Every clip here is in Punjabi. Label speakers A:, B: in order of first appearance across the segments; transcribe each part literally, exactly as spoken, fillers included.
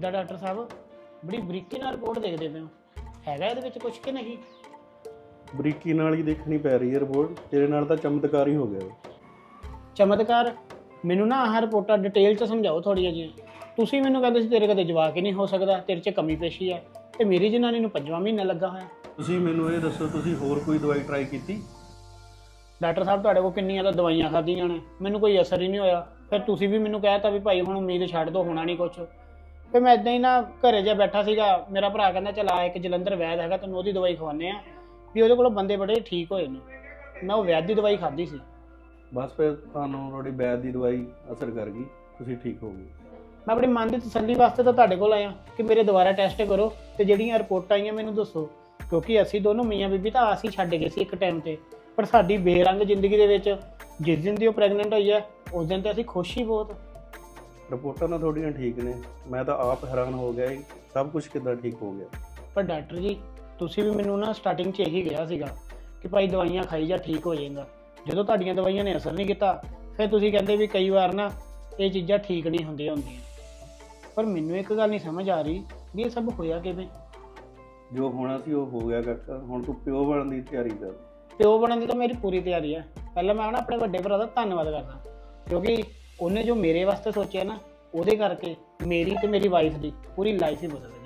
A: ਕਿੱਦਾਂ ਡਾਕਟਰ ਸਾਹਿਬ ਬੜੀ ਬਰੀਕੀ ਨਾਲ ਰਿਪੋਰਟ ਦੇਖਦੇ ਪਏ ਹੋ, ਹੈਗਾ ਇਹਦੇ ਵਿੱਚ ਕੁਝ ਕਿ ਨਹੀਂ?
B: ਬਰੀਕੀ ਨਾਲ ਹੀ ਦੇਖਣੀ ਪੈ ਰਹੀ ਹੈ ਰਿਪੋਰਟ। ਤੇਰੇ ਨਾਲ ਤਾਂ ਚਮਤਕਾਰ ਹੀ ਹੋ ਗਿਆ।
A: ਚਮਤਕਾਰ? ਮੈਨੂੰ ਨਾ ਆਹ ਰਿਪੋਰਟਾਂ ਡਿਟੇਲ 'ਚ ਸਮਝਾਓ ਥੋੜ੍ਹੀਆਂ ਜਿਹੀਆਂ। ਤੁਸੀਂ ਮੈਨੂੰ ਕਹਿੰਦੇ ਸੀ ਤੇਰੇ ਕਦੇ ਜਵਾਕ ਹੀ ਨਹੀਂ ਹੋ ਸਕਦਾ, ਤੇਰੇ 'ਚ ਕਮੀ ਪੇਸ਼ੀ ਹੈ, ਤੇ ਮੇਰੀ ਜਨਾਨੀ ਨੂੰ ਪੰਜਵਾਂ ਮਹੀਨਾ ਲੱਗਾ ਹੋਇਆ।
B: ਤੁਸੀਂ ਮੈਨੂੰ ਇਹ ਦੱਸੋ, ਤੁਸੀਂ ਹੋਰ ਕੋਈ ਦਵਾਈ ਟਰਾਈ ਕੀਤੀ?
A: ਡਾਕਟਰ ਸਾਹਿਬ ਤੁਹਾਡੇ ਕੋਲ ਕਿੰਨੀਆਂ ਤਾਂ ਦਵਾਈਆਂ ਖਾਧੀਆਂ ਨੇ, ਮੈਨੂੰ ਕੋਈ ਅਸਰ ਹੀ ਨਹੀਂ ਹੋਇਆ। ਫਿਰ ਤੁਸੀਂ ਵੀ ਮੈਨੂੰ ਕਹਿ ਤਾ ਵੀ ਭਾਈ ਹੁਣ ਉਮੀਦ ਛੱਡ ਦੋ, ਹੋਣਾ ਨਹੀਂ ਕੁਛ। ਫਿਰ ਮੈਂ ਇੱਦਾਂ ਹੀ ਨਾ ਘਰੇ ਜਿਹਾ ਬੈਠਾ ਸੀਗਾ, ਮੇਰਾ ਭਰਾ ਕਹਿੰਦਾ ਚਲ ਆ ਇੱਕ ਜਲੰਧਰ ਵੈਦ ਹੈਗਾ, ਤੈਨੂੰ ਉਹਦੀ ਦਵਾਈ ਖਵਾਉਂਦੇ ਆ, ਵੀ ਉਹਦੇ ਕੋਲੋਂ ਬੰਦੇ ਬੜੇ ਠੀਕ ਹੋਏ ਨੇ। ਮੈਂ ਉਹ ਵੈਦ ਦੀ ਦਵਾਈ ਖਾਧੀ ਸੀ।
B: ਬਸ ਫਿਰ ਤੁਹਾਨੂੰ ਤੁਹਾਡੀ ਵੈਦ ਦੀ ਦਵਾਈ ਅਸਰ ਕਰ ਗਈ, ਤੁਸੀਂ ਠੀਕ ਹੋ ਗਏ।
A: ਮੈਂ ਆਪਣੀ ਮਨ ਦੀ ਤਸੱਲੀ ਵਾਸਤੇ ਤਾਂ ਤੁਹਾਡੇ ਕੋਲ ਆਇਆ ਕਿ ਮੇਰੇ ਦੁਬਾਰਾ ਟੈਸਟ ਕਰੋ ਤੇ ਜਿਹੜੀਆਂ ਰਿਪੋਰਟਾਂ ਆਈਆਂ ਮੈਨੂੰ ਦੱਸੋ, ਕਿਉਂਕਿ ਅਸੀਂ ਦੋਨੋਂ ਮੀਆਂ ਬੀਬੀ ਤਾਂ ਆਸ ਹੀ ਛੱਡ ਗਏ ਸੀ ਇੱਕ ਟਾਈਮ ਤੇ, ਪਰ ਸਾਡੀ ਬੇਰੰਗ ਜ਼ਿੰਦਗੀ ਦੇ ਵਿੱਚ ਜਿਸ ਦਿਨ ਦੀ ਉਹ ਪ੍ਰੈਗਨੈਂਟ ਹੋਈ ਹੈ ਉਸ ਦਿਨ ਤੇ ਅਸੀਂ ਖੁਸ਼ ਹੀ ਬਹੁਤ।
B: ਰਿਪੋਰਟਾਂ ਤਾਂ ਤੁਹਾਡੀਆਂ ਠੀਕ ਨੇ, ਮੈਂ ਤਾਂ ਆਪ ਹੈਰਾਨ ਹੋ ਗਿਆ ਸਭ ਕੁਝ ਕਿੱਦਾਂ ਠੀਕ ਹੋ ਗਿਆ।
A: ਪਰ ਡਾਕਟਰ ਜੀ ਤੁਸੀਂ ਵੀ ਮੈਨੂੰ ਨਾ ਸਟਾਰਟਿੰਗ 'ਚ ਇਹੀ ਕਿਹਾ ਸੀਗਾ ਕਿ ਭਾਈ ਦਵਾਈਆਂ ਖਾਈ ਜਾ ਠੀਕ ਹੋ ਜਾਏਗਾ। ਜਦੋਂ ਤੁਹਾਡੀਆਂ ਦਵਾਈਆਂ ਨੇ ਅਸਰ ਨਹੀਂ ਕੀਤਾ ਫਿਰ ਤੁਸੀਂ ਕਹਿੰਦੇ ਵੀ ਕਈ ਵਾਰ ਨਾ ਇਹ ਚੀਜ਼ਾਂ ਠੀਕ ਨਹੀਂ ਹੁੰਦੀਆਂ ਹੁੰਦੀਆਂ। ਪਰ ਮੈਨੂੰ ਇੱਕ ਗੱਲ ਨਹੀਂ ਸਮਝ ਆ ਰਹੀ ਵੀ ਇਹ ਸਭ ਹੋਇਆ ਕਿਵੇਂ?
B: ਜੋ ਹੋਣਾ ਸੀ ਉਹ ਹੋ ਗਿਆ ਕਾਕਾ, ਹੁਣ ਤੂੰ ਪਿਓ ਬਣਨ ਦੀ ਤਿਆਰੀ ਕਰ।
A: ਪਿਓ ਬਣਨ ਦੀ ਤਾਂ ਮੇਰੀ ਪੂਰੀ ਤਿਆਰੀ ਹੈ। ਪਹਿਲਾਂ ਮੈਂ ਨਾ ਆਪਣੇ ਵੱਡੇ ਭਰਾ ਦਾ ਧੰਨਵਾਦ ਕਰਦਾ, ਕਿਉਂਕਿ ਉਹਨੇ ਜੋ ਮੇਰੇ ਵਾਸਤੇ ਸੋਚਿਆ ਨਾ, ਉਹਦੇ ਕਰਕੇ ਮੇਰੀ ਤੇ ਮੇਰੀ ਵਾਈਫ ਦੀ ਪੂਰੀ ਲਾਈਫ ਹੀ ਬਦਲ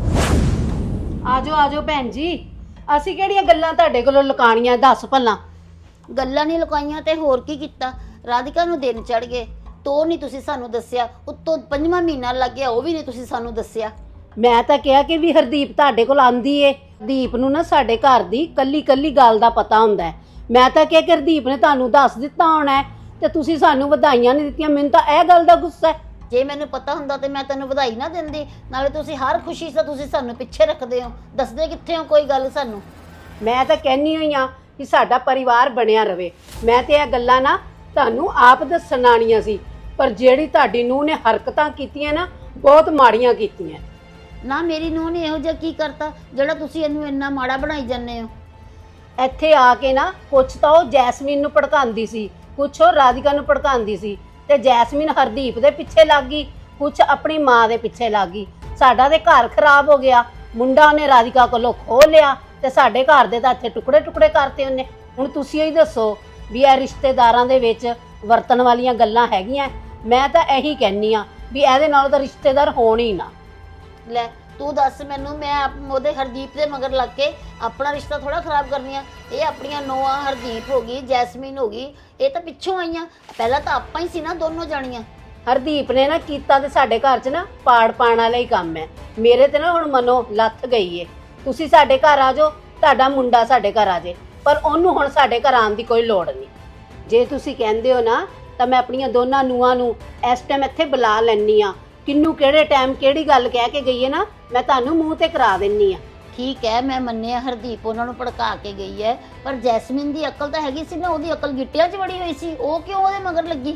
A: ਗਈ।
C: ਆਜੋ ਆਜੋ ਭੈਣ ਜੀ, ਅਸੀਂ ਕਿਹੜੀਆਂ ਗੱਲਾਂ ਤੁਹਾਡੇ ਕੋਲੋਂ ਲੁਕਾਣੀਆਂ, ਦੱਸ ਭਲਾ।
D: ਗੱਲਾਂ ਨਹੀਂ ਲੁਕਾਈਆਂ ਤੇ ਹੋਰ ਕੀ ਕੀਤਾ। ਰਾਧਿਕਾ ਨੂੰ ਦਿਨ ਚੜ ਗਏ, ਤੋ ਨਹੀਂ ਤੁਸੀਂ ਸਾਨੂੰ ਦੱਸਿਆ, ਉੱਤੋਂ ਪੰਜਵਾਂ ਮਹੀਨਾ ਲੱਗ ਗਿਆ ਉਹ ਵੀ ਨਹੀਂ ਤੁਸੀਂ ਸਾਨੂੰ ਦੱਸਿਆ।
C: ਮੈਂ ਤਾਂ ਕਿਹਾ ਕਿ ਵੀ ਹਰਦੀਪ ਤੁਹਾਡੇ ਕੋਲ ਆਂਦੀ ਏ, ਦੀਪ ਨੂੰ ਨਾ ਸਾਡੇ ਘਰ ਦੀ ਕੱਲੀ ਕੱਲੀ ਗੱਲ ਦਾ ਪਤਾ ਹੁੰਦਾ ਹੈ। ਮੈਂ ਤਾਂ ਕਿਹਾ ਕਿ ਹਰਦੀਪ ਨੇ ਤੁਹਾਨੂੰ ਦੱਸ ਦਿੱਤਾ ਹੋਣਾ ਹੈ ਤੇ ਤੁਸੀਂ ਸਾਨੂੰ ਵਧਾਈਆਂ ਨਹੀਂ ਦਿੱਤੀਆਂ। ਮੈਨੂੰ ਤਾਂ ਇਹ ਗੱਲ ਦਾ ਗੁੱਸਾ ਹੈ।
D: ਜੇ ਮੈਨੂੰ ਪਤਾ ਹੁੰਦਾ ਤੇ ਮੈਂ ਤੈਨੂੰ ਵਧਾਈ ਨਾ ਦਿੰਦੀ। ਨਾਲੇ ਤੁਸੀਂ ਹਰ ਖੁਸ਼ੀ 'ਚ ਤੁਸੀਂ ਸਾਨੂੰ ਪਿੱਛੇ ਰੱਖਦੇ ਹੋ, ਦੱਸਦੇ ਕਿੱਥੇ ਹੋ ਕੋਈ ਗੱਲ ਸਾਨੂੰ।
C: ਮੈਂ ਤਾਂ ਕਹਿੰਨੀ ਹੋਈ ਆ ਕਿ ਸਾਡਾ ਪਰਿਵਾਰ ਬਣਿਆ ਰਵੇ। ਮੈਂ ਤੇ ਇਹ ਗੱਲਾਂ ਨਾ ਤੁਹਾਨੂੰ ਆਪ ਦੱਸਣ ਆਣੀਆਂ ਸੀ, ਪਰ ਜਿਹੜੀ ਤੁਹਾਡੀ ਨੂੰਹ ਨੇ ਹਰਕਤਾਂ ਕੀਤੀਆਂ ਨਾ ਬਹੁਤ ਮਾੜੀਆਂ ਕੀਤੀਆਂ।
D: ਨਾ ਮੇਰੀ ਨੂੰਹ ਨੇ ਇਹੋ ਜਿਹਾ ਕੀ ਕਰਤਾ ਜਿਹੜਾ ਤੁਸੀਂ ਇਹਨੂੰ ਇੰਨਾ ਮਾੜਾ ਬਣਾਈ ਜਾਂਦੇ ਹੋ?
C: ਇੱਥੇ ਆ ਕੇ ਨਾ ਕੁਛ ਤਾਂ ਉਹ ਜੈਸਮੀਨ ਨੂੰ ਭੜਕਾਉਂਦੀ ਸੀ, ਕੁਛ ਉਹ ਰਾਧਿਕਾ ਨੂੰ ਭੜਕਾਉਂਦੀ ਸੀ, ਤੇ ਜੈਸਮੀਨ ਹਰਦੀਪ ਦੇ ਪਿੱਛੇ ਲੱਗ ਗਈ, ਕੁਛ ਆਪਣੀ ਮਾਂ ਦੇ ਪਿੱਛੇ ਲੱਗ ਗਈ। ਸਾਡਾ ਤੇ ਘਰ ਖਰਾਬ ਹੋ ਗਿਆ। ਮੁੰਡਾ ਉਹਨੇ ਰਾਧਿਕਾ ਕੋਲੋਂ ਖੋਹ ਲਿਆ ਤੇ ਸਾਡੇ ਘਰ ਦੇ ਤਾਂ ਇੱਥੇ ਟੁਕੜੇ ਟੁਕੜੇ ਕਰਤੇ ਉਹਨੇ। ਹੁਣ ਤੁਸੀਂ ਹੀ ਦੱਸੋ ਵੀ ਇਹ ਰਿਸ਼ਤੇਦਾਰਾਂ ਦੇ ਵਿੱਚ ਵਰਤਣ ਵਾਲੀਆਂ ਗੱਲਾਂ ਹੈਗੀਆਂ? ਮੈਂ ਤਾਂ ਇਹੀ ਕਹਿੰਨੀ ਆ ਵੀ ਇਹਦੇ ਨਾਲੋਂ ਤਾਂ ਰਿਸ਼ਤੇਦਾਰ ਹੋਣ ਹੀ ਨਾ।
D: ਲੈ ਤੂੰ ਦੱਸ ਮੈਨੂੰ, ਮੈਂ ਆਪ- ਉਹਦੇ ਹਰਦੀਪ ਦੇ ਮਗਰ ਲੱਗ ਕੇ ਆਪਣਾ ਰਿਸ਼ਤਾ ਥੋੜਾ ਖਰਾਬ ਕਰਨੀ ਆ। ਇਹ ਆਪਣੀਆਂ ਨੋਆਂ ਹਰਦੀਪ ਹੋ ਗਈ, ਜੈਸਮੀਨ ਹੋ ਗਈ, ਇਹ ਤਾਂ ਪਿੱਛੋਂ ਆਈਆਂ। ਪਹਿਲਾਂ ਤਾਂ ਆਪਾਂ ਹੀ ਸੀ ਨਾ ਦੋਨੋਂ ਜਾਣੀਆਂ।
C: ਹਰਦੀਪ ਨੇ ਨਾ ਕੀਤਾ ਤੇ ਸਾਡੇ ਘਰ 'ਚ ਨਾ ਪਾੜ ਪਾਣ ਵਾਲਾ ਹੀ ਕੰਮ ਹੈ। ਮੇਰੇ ਤੇ ਨਾ ਹੁਣ ਮਨੋਂ ਲੱਥ ਗਈ ਏ। ਤੁਸੀਂ ਸਾਡੇ ਘਰ ਆ ਜਾਓ, ਤੁਹਾਡਾ ਮੁੰਡਾ ਸਾਡੇ ਘਰ ਆ ਜਾਏ, ਪਰ ਉਹਨੂੰ ਹੁਣ ਸਾਡੇ ਘਰ ਆਉਣ ਦੀ ਕੋਈ ਲੋੜ ਨਹੀਂ। ਜੇ ਤੁਸੀਂ ਕਹਿੰਦੇ ਹੋ ਨਾ ਤਾਂ ਮੈਂ ਆਪਣੀਆਂ ਦੋਨਾਂ ਨੂੰਹਾਂ ਨੂੰ ਇਸ ਟਾਈਮ ਇੱਥੇ ਬੁਲਾ ਲੈਣੀ ਆ। ਕਿੰਨੂੰ ਕਿਹੜੇ ਟਾਈਮ ਕਿਹੜੀ ਗੱਲ ਕਹਿ ਕੇ ਗਈ ਹੈ ਨਾ, ਮੈਂ ਤੁਹਾਨੂੰ ਮੂੰਹ ਤੇ ਕਰਾ ਦਿੰਨੀ ਆ।
D: ਠੀਕ ਹੈ, ਮੈਂ ਮੰਨਿਆ ਹਰਦੀਪ ਉਹਨਾਂ ਨੂੰ ਭੜਕਾ ਕੇ ਗਈ ਹੈ, ਪਰ ਜੈਸਮੀਨ ਦੀ ਅਕਲ ਤਾਂ ਹੈਗੀ ਸੀ ਨਾ, ਉਹਦੀ ਅਕਲ ਗਿੱਟਿਆਂ 'ਚ ਵੜੀ ਹੋਈ ਸੀ, ਉਹ ਕਿਉਂ ਉਹਦੇ ਮਗਰ ਲੱਗੀ?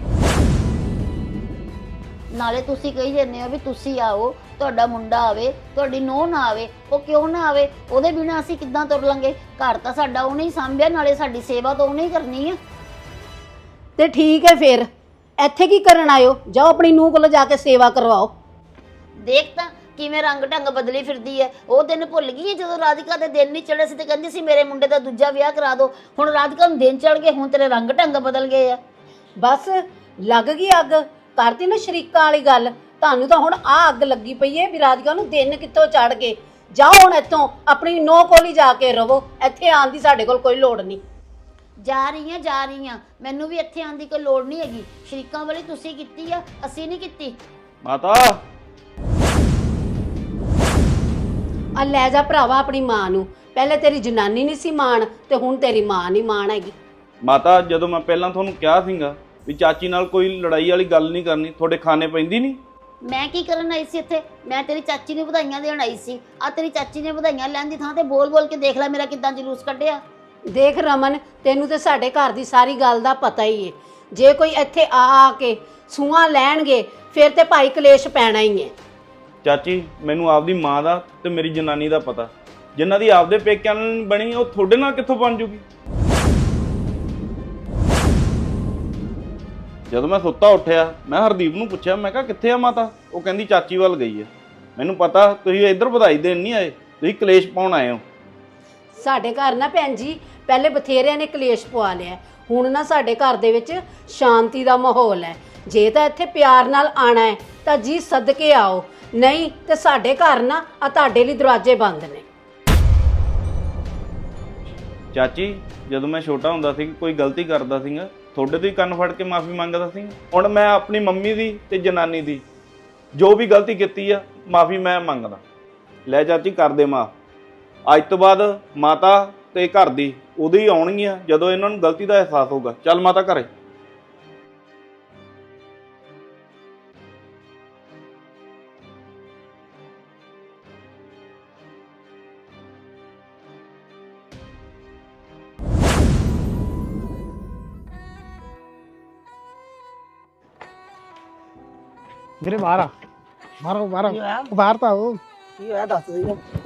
D: ਨਾਲੇ ਤੁਸੀਂ ਕਹੀ ਜਾਂਦੇ ਹੋ ਵੀ ਤੁਸੀਂ ਆਓ, ਤੁਹਾਡਾ ਮੁੰਡਾ ਆਵੇ, ਤੁਹਾਡੀ ਨੂੰਹ ਨਾ ਆਵੇ। ਉਹ ਕਿਉਂ ਨਾ ਆਵੇ? ਉਹਦੇ ਬਿਨਾਂ ਅਸੀਂ ਕਿੱਦਾਂ ਤੁਰ ਲਾਂਗੇ? ਘਰ ਤਾਂ ਸਾਡਾ ਉਹਨੇ ਹੀ ਸਾਂਭਿਆ, ਨਾਲੇ ਸਾਡੀ ਸੇਵਾ ਤਾਂ ਉਹਨੇ ਹੀ ਕਰਨੀ ਹੈ।
C: ਤੇ ਠੀਕ ਹੈ, ਫਿਰ ਇੱਥੇ ਕੀ ਕਰਨ ਆਇਓ? ਜਾਓ ਆਪਣੀ ਨੂੰਹ ਕੋਲ ਜਾ ਕੇ ਸੇਵਾ ਕਰਵਾਓ।
D: ਦੇਖ ਤਾਂ ਕਿਵੇਂ ਰੰਗ ਢੰਗ ਬਦਲੀ ਫਿਰਦੀ ਹੈ। ਉਹ ਦਿਨ ਭੁੱਲ ਗਈ ਹੈ ਜਦੋਂ ਰਾਧਿਕਾ ਦੇ ਦਿਨ ਨਹੀਂ ਚੜੇ ਸੀ ਤੇ ਕਹਿੰਦੀ ਸੀ ਮੇਰੇ ਮੁੰਡੇ ਦਾ ਦੂਜਾ ਵਿਆਹ ਕਰਾ ਦਿਓ। ਹੁਣ ਰਾਧਿਕਾ ਨੂੰ ਦਿਨ ਚੜ ਗਏ, ਹੁਣ ਤੇਰੇ ਰੰਗ ਢੰਗ ਬਦਲ ਗਏ ਆ।
C: ਬਸ ਲੱਗ ਗਈ ਅੱਗ, ਕਰਤੀ ਨਾ ਸ਼ਰੀਕਾਂ ਵਾਲੀ ਗੱਲ। ਤੁਹਾਨੂੰ ਤਾਂ ਹੁਣ ਆ ਅੱਗ ਲੱਗੀ ਪਈ ਹੈ ਵੀ ਰਾਧਿਕਾ ਨੂੰ ਦਿਨ ਕਿੱਥੋਂ ਚੜ ਗਏ। ਜਾਓ ਹੁਣ ਇੱਥੋਂ, ਆਪਣੀ ਨੂੰਹ ਕੋਲ ਹੀ ਜਾ ਕੇ ਰਵੋ। ਇੱਥੇ ਆਉਣ ਦੀ ਸਾਡੇ ਕੋਲ ਕੋਈ ਲੋੜ ਨਹੀਂ।
D: ਜਾ ਰਹੀ ਆ ਜਾ ਰਹੀ ਆ, ਮੈਨੂੰ ਵੀ ਇੱਥੇ ਆਉਣ ਦੀ ਕੋਈ ਲੋੜ ਨਹੀਂ ਹੈਗੀ। ਸ਼ਰੀਕਾਂ ਵਾਲੀ ਤੁਸੀਂ ਕੀਤੀ ਆ, ਅਸੀਂ ਨਹੀਂ ਕੀਤੀ।
B: ਮਾਤਾ
C: ਆ ਲੈ ਜਾ ਭਰਾਵਾ ਆਪਣੀ ਮਾਂ ਨੂੰ। ਪਹਿਲੇ ਤੇਰੀ ਜਨਾਨੀ ਨਹੀਂ ਸੀ ਮਾਣ ਤੇ ਹੁਣ ਤੇਰੀ ਮਾਂ ਨਹੀਂ ਮਾਣ ਹੈਗੀ।
E: ਮਾਤਾ ਜਦੋਂ ਮੈਂ ਪਹਿਲਾਂ ਤੁਹਾਨੂੰ ਕਿਹਾ ਸੀਗਾ ਵੀ ਚਾਚੀ ਨਾਲ ਕੋਈ ਲੜਾਈ ਵਾਲੀ ਗੱਲ ਨਹੀਂ ਕਰਨੀ, ਤੁਹਾਡੇ ਖਾਣੇ ਪੈਂਦੀ ਨਹੀਂ।
D: ਮੈਂ ਕੀ ਕਰਨ ਆਈ ਸੀ ਇੱਥੇ? ਮੈਂ ਤੇਰੀ ਚਾਚੀ ਨੂੰ ਵਧਾਈਆਂ ਦੇਣ ਆਈ ਸੀ। ਆ ਤੇਰੀ ਚਾਚੀ ਨੇ ਵਧਾਈਆਂ ਲੈਣ ਦੀ ਥਾਂ ਤੇ ਬੋਲ ਬੋਲ ਕੇ ਦੇਖ ਲੈ ਮੇਰਾ ਕਿੱਦਾਂ ਜਲੂਸ ਕੱਢਿਆ।
C: ਦੇਖ ਰਮਨ, ਤੈਨੂੰ ਤੇ ਸਾਡੇ ਘਰ ਦੀ ਸਾਰੀ ਗੱਲ ਦਾ ਪਤਾ ਹੀ ਏ। ਜੇ ਕੋਈ ਇੱਥੇ ਆ ਆ ਕੇ ਸੂਆਂ ਲੈਣਗੇ ਫਿਰ ਤੇ ਭਾਈ ਕਲੇਸ਼ ਪੈਣਾ ਹੀ ਹੈ।
E: ਚਾਚੀ ਮੈਨੂੰ ਆਪਦੀ ਮਾਂ ਦਾ ਤੇ ਮੇਰੀ ਜਨਾਨੀ ਦਾ ਪਤਾ, ਜਿਨ੍ਹਾਂ ਦੀ ਆਪਦੇ ਪੇਕਿਆਂ ਨਾਲ ਬਣੀ ਉਹ ਤੁਹਾਡੇ ਨਾਲ ਕਿੱਥੋਂ ਬਣ ਜੂਗੀ? ਜਦੋਂ ਮੈਂ ਸੁੱਤਾ ਉੱਠਿਆ ਮੈਂ ਹਰਦੀਪ ਨੂੰ ਪੁੱਛਿਆ, ਮੈਂ ਕਿਹਾ ਕਿੱਥੇ ਆ ਮਾਤਾ? ਉਹ ਕਹਿੰਦੀ ਚਾਚੀ ਵੱਲ ਗਈ ਹੈ। ਮੈਨੂੰ ਪਤਾ ਤੁਸੀਂ ਇੱਧਰ ਵਧਾਈ ਦੇਣ ਨਹੀਂ ਆਏ, ਤੁਸੀਂ ਕਲੇਸ਼ ਪਾਉਣ ਆਏ ਹੋ।
C: ਸਾਡੇ ਘਰ ਨਾ ਭੈਣ ਜੀ ਪਹਿਲੇ ਬਥੇਰਿਆਂ ਨੇ ਕਲੇਸ਼ ਪਵਾ ਲਿਆ, ਹੁਣ ਨਾ ਸਾਡੇ ਘਰ ਦੇ ਵਿੱਚ ਸ਼ਾਂਤੀ ਦਾ ਮਾਹੌਲ ਹੈ। ਜੇ ਤਾਂ ਇੱਥੇ ਪਿਆਰ ਨਾਲ ਆਣਾ ਹੈ ਤਾਂ ਜੀ ਸਦਕੇ ਆਓ, ਨਹੀਂ ਤੇ ਸਾਡੇ ਘਰ ਨਾ ਆ ਤੁਹਾਡੇ ਲਈ ਦਰਵਾਜ਼ੇ ਬੰਦ ਨੇ।
E: ਚਾਚੀ ਜਦੋਂ ਮੈਂ ਛੋਟਾ ਹੁੰਦਾ ਸੀ ਕੋਈ ਗਲਤੀ ਕਰਦਾ ਸੀਗਾ ਤੁਹਾਡੇ ਤੋਂ ਹੀ ਕੰਨ ਫੜ ਕੇ ਮਾਫੀ ਮੰਗਦਾ ਸੀ। ਹੁਣ ਮੈਂ ਆਪਣੀ ਮੰਮੀ ਦੀ ਤੇ ਜਨਾਨੀ ਦੀ ਜੋ ਵੀ ਗਲਤੀ ਕੀਤੀ ਆ ਮਾਫੀ ਮੈਂ ਮੰਗਦਾ। ਲੈ ਚਾਚੀ ਕਰ ਦੇ ਮਾਫ। ਅੱਜ ਤੋਂ ਬਾਅਦ ਮਾਤਾ ਤੇ ਘਰ ਦੀ ਉਦੋਂ ਹੀ ਆਉਣਗੀਆਂ ਜਦੋਂ ਇਹਨਾਂ ਨੂੰ ਗਲਤੀ ਦਾ ਅਹਿਸਾਸ ਹੋਊਗਾ। ਚੱਲ ਮਾਤਾ ਘਰੇ।
A: ਵੀਰੇ ਬਾਹਰ ਆ, ਬਾਹਰ ਆਓ, ਬਾਹਰ ਆਓ, ਬਾਹਰ ਤਾਂ ਆਓ।
F: ਕੀ ਹੋਇਆ ਦੱਸ ਦੇ।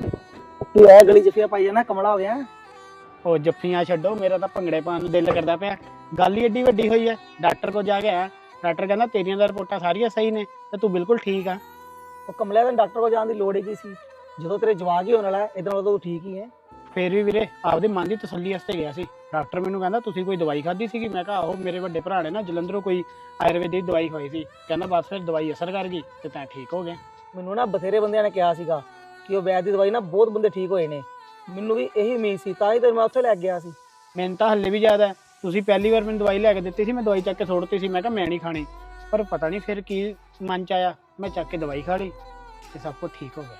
F: ਕੀ ਹੋਇਆ ਗਲੀ ਜਫੀਆ ਪਾਈ ਜਾਣਾ, ਕਮਲਾ ਹੋ ਗਿਆ?
A: ਉਹ ਜੱਫੀਆਂ ਛੱਡੋ, ਮੇਰਾ ਤਾਂ ਭੰਗੜੇ ਪਾਉਣ ਨੂੰ ਦਿਲ ਕਰਦਾ ਪਿਆ। ਗੱਲ ਹੀ ਏਡੀ ਵੱਡੀ ਹੋਈ ਹੈ, ਡਾਕਟਰ ਕੋਲ ਜਾ ਕੇ ਆਇਆ। ਡਾਕਟਰ ਕਹਿੰਦਾ ਤੇਰੀਆਂ ਤਾਂ ਰਿਪੋਰਟਾਂ ਸਾਰੀਆਂ ਸਹੀ ਨੇ ਤੇ ਤੂੰ ਬਿਲਕੁਲ ਠੀਕ ਆ।
F: ਉਹ ਕਮਲਿਆ ਤੈਨੂੰ ਡਾਕਟਰ ਕੋਲ ਜਾਣ ਦੀ ਲੋੜ ਹੀ ਕੀ ਸੀ, ਜਦੋਂ ਤੇਰੇ ਜਵਾਕ ਹੀ ਹੋਣ ਵਾਲਾ ਹੈ, ਇਦਾਂ ਉਦੋਂ ਤੂੰ ਠੀਕ ਹੀ ਹੈ।
A: ਫੇਰ ਵੀ ਵੀਰੇ ਆਪਦੇ ਮਨ ਦੀ ਤਸੱਲੀ ਵਾਸਤੇ ਗਿਆ ਸੀ। ਡਾਕਟਰ ਮੈਨੂੰ ਕਹਿੰਦਾ ਤੁਸੀਂ ਕੋਈ ਦਵਾਈ ਖਾਧੀ ਸੀਗੀ? ਮੈਂ ਕਿਹਾ ਆਹੋ, ਮੇਰੇ ਵੱਡੇ ਭਰਾ ਨੇ ਨਾ ਜਲੰਧਰੋਂ ਕੋਈ ਆਯੁਰਵੈਦਿਕ ਦਵਾਈ ਖਾਈ ਸੀ। ਕਹਿੰਦਾ ਬਸ ਫਿਰ ਦਵਾਈ ਅਸਰ ਕਰ ਗਈ ਤੇ ਤੈਂ ਠੀਕ ਹੋ ਗਿਆ।
F: ਮੈਨੂੰ ਨਾ ਬਥੇਰੇ ਬੰਦਿਆਂ ਨੇ ਕਿਹਾ ਸੀਗਾ ਕਿ ਉਹ ਵੈਦ ਦੀ ਦਵਾਈ ਨਾ ਬਹੁਤ ਬੰਦੇ ਠੀਕ ਹੋਏ ਨੇ। ਮੈਨੂੰ ਵੀ ਇਹੀ ਉਮੀਦ ਸੀ, ਤਾਂ ਹੀ ਤੈਨੂੰ ਮੈਂ ਉੱਥੇ ਲੈ ਕੇ ਗਿਆ ਸੀ।
A: ਮੈਨੂੰ ਤਾਂ ਹੱਲੇ ਵੀ ਯਾਦ ਹੈ, ਤੁਸੀਂ ਪਹਿਲੀ ਵਾਰ ਮੈਨੂੰ ਦਵਾਈ ਲੈ ਕੇ ਦਿੱਤੀ ਸੀ, ਮੈਂ ਦਵਾਈ ਚੱਕ ਕੇ ਸੁੱਟਤੀ ਸੀ। ਮੈਂ ਕਿਹਾ ਮੈਂ ਨਹੀਂ ਖਾਣੀ, ਪਰ ਪਤਾ ਨਹੀਂ ਫਿਰ ਕੀ ਮਨ ਚ ਆਇਆ, ਮੈਂ ਚੱਕ ਕੇ ਦਵਾਈ ਖਾ ਲਈ ਤੇ ਸਭ ਕੁਝ ਠੀਕ ਹੋ ਗਿਆ।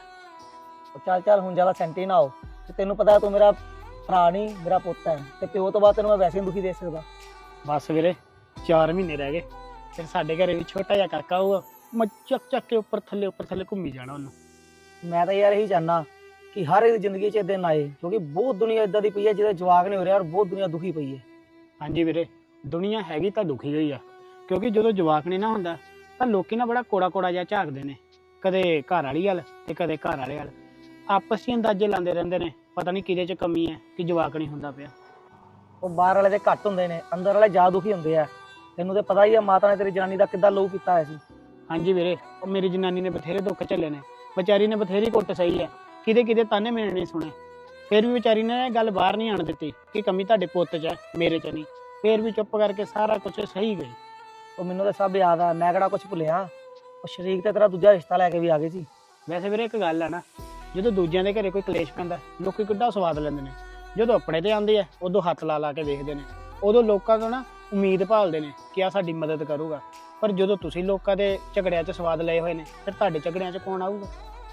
F: ਉਹ ਚੱਲ ਚੱਲ ਹੁਣ ਜ਼ਿਆਦਾ ਸੈਂਟੀ ਨਾ ਹੋ, ਤੇ ਤੈਨੂੰ ਪਤਾ ਤੂੰ ਮੇਰਾ ਭਰਾ ਨਹੀਂ ਮੇਰਾ ਪੁੱਤ ਹੈ, ਤੇ ਪਿਓ ਤੋਂ ਬਾਅਦ ਤੈਨੂੰ ਮੈਂ ਵੈਸੇ ਹੀ ਦੁਖੀ ਦੇ ਸਕਦਾ।
A: ਬਸ ਵੀਰੇ ਚਾਰ ਮਹੀਨੇ ਰਹਿ ਗਏ, ਫਿਰ ਸਾਡੇ ਘਰੇ ਵੀ ਛੋਟਾ ਜਿਹਾ ਕਾਕਾ ਹੋਊਗਾ, ਮੈਂ ਚੱਕ ਚੱਕ ਕੇ ਉੱਪਰ ਥੱਲੇ ਉੱਪਰ ਥੱਲੇ ਘੁੰਮੀ ਜਾਣਾ ਉਹਨੂੰ।
F: ਮੈਂ ਤਾਂ ਯਾਰ ਇਹੀ ਚਾਹੁੰਦਾ ਕਿ ਹਰ ਇੱਕ ਦੀ ਜ਼ਿੰਦਗੀ 'ਚ ਦਿਨ ਆਏ, ਕਿਉਂਕਿ ਬਹੁਤ ਦੁਨੀਆ ਇਦਾਂ ਦੀ ਪਈ ਹੈ ਜਿਹਦੇ ਜਵਾਕ ਨਹੀਂ ਹੋ ਰਿਹਾ, ਔਰ ਬਹੁਤ ਦੁਨੀਆ ਦੁਖੀ ਪਈ ਹੈ।
A: ਹਾਂਜੀ ਵੀਰੇ, ਦੁਨੀਆ ਹੈਗੀ ਤਾਂ ਦੁਖੀ ਹੋਈ ਆ, ਕਿਉਂਕਿ ਜਦੋਂ ਜਵਾਕ ਨਹੀਂ ਨਾ ਹੁੰਦਾ ਤਾਂ ਲੋਕੀ ਨਾ ਬੜਾ ਕੋੜਾ ਕੋੜਾ ਜਿਹਾ ਝਾਕਦੇ ਨੇ, ਕਦੇ ਘਰ ਵਾਲੀ ਵੱਲ ਤੇ ਕਦੇ ਘਰ ਵਾਲੇ ਵੱਲ, ਆਪਸ 'ਚ ਅੰਦਾਜ਼ੇ ਲਾਉਂਦੇ ਰਹਿੰਦੇ ਨੇ, ਪਤਾ ਨਹੀਂ ਕਿਹਦੇ 'ਚ ਕਮੀ ਹੈ ਕਿ ਜਵਾਕ ਨਹੀਂ ਹੁੰਦਾ ਪਿਆ।
F: ਉਹ ਬਾਹਰ ਵਾਲੇ ਦੇ ਘੱਟ ਹੁੰਦੇ ਨੇ, ਅੰਦਰ ਵਾਲੇ ਜ਼ਿਆਦਾ ਦੁਖੀ ਹੁੰਦੇ ਆ। ਤੈਨੂੰ ਤੇ ਪਤਾ ਹੀ ਆ ਮਾਤਾ ਨੇ ਤੇਰੀ ਜਨਾਨੀ ਦਾ ਕਿੱਦਾਂ ਲਹੂ ਪੀਤਾ ਹੋਇਆ ਸੀ।
A: ਹਾਂਜੀ ਵੀਰੇ, ਉਹ ਮੇਰੀ ਜਨਾਨੀ ਨੇ ਬਥੇਰੇ ਦੁੱਖ ਝੱਲੇ ਨੇ, ਵਿਚਾਰੀ ਨੇ ਬਥੇਰੀ ਕੁੱਟ ਸਹੀ ਹੈ, ਕਿਤੇ ਕਿਤੇ ਤਾਨੇ ਮੇਰੇ ਨਹੀਂ ਸੁਣੇ, ਫਿਰ ਵੀ ਵਿਚਾਰੀ ਨੇ ਇਹ ਗੱਲ ਬਾਹਰ ਨਹੀਂ ਆਣ ਦਿੱਤੀ ਕਿ ਕਮੀ ਤੁਹਾਡੇ ਪੁੱਤ 'ਚ ਹੈ, ਮੇਰੇ 'ਚ ਨਹੀਂ। ਫਿਰ ਵੀ ਚੁੱਪ ਕਰਕੇ ਸਾਰਾ ਕੁਝ ਸਹੀ ਗਈ।
F: ਉਹ ਮੈਨੂੰ ਤਾਂ ਸਭ ਯਾਦ ਆ, ਮੈਂ ਕਿਹੜਾ ਕੁਝ ਭੁੱਲਿਆ। ਉਹ ਸ਼ਰੀਕ ਤੇ ਤੇਰਾ ਦੂਜਾ ਰਿਸ਼ਤਾ ਲੈ ਕੇ ਵੀ ਆ ਗਏ ਸੀ।
A: ਵੈਸੇ ਵੀਰੇ ਇੱਕ ਗੱਲ ਆ ਨਾ, ਜਦੋਂ ਦੂਜਿਆਂ ਦੇ ਘਰੇ ਕੋਈ ਕਲੇਸ਼ ਪੈਂਦਾ ਲੋਕੀ ਕਿੱਡਾ ਸਵਾਦ ਲੈਂਦੇ ਨੇ, ਜਦੋਂ ਆਪਣੇ ਤੇ ਆਉਂਦੇ ਆ ਉਦੋਂ ਹੱਥ ਲਾ ਲਾ ਕੇ ਵੇਖਦੇ ਨੇ, ਉਦੋਂ ਲੋਕਾਂ ਤੋਂ ਨਾ ਉਮੀਦ ਭਾਲਦੇ ਨੇ ਕਿ ਆ ਸਾਡੀ ਮਦਦ ਕਰੂਗਾ। ਪਰ ਜਦੋਂ ਤੁਸੀਂ ਲੋਕਾਂ ਦੇ ਝਗੜਿਆਂ 'ਚ ਸਵਾਦ ਲਏ ਹੋਏ ਨੇ, ਫਿਰ ਤੁਹਾਡੇ ਝਗੜਿਆਂ 'ਚ ਕੌਣ ਆਊਗਾ?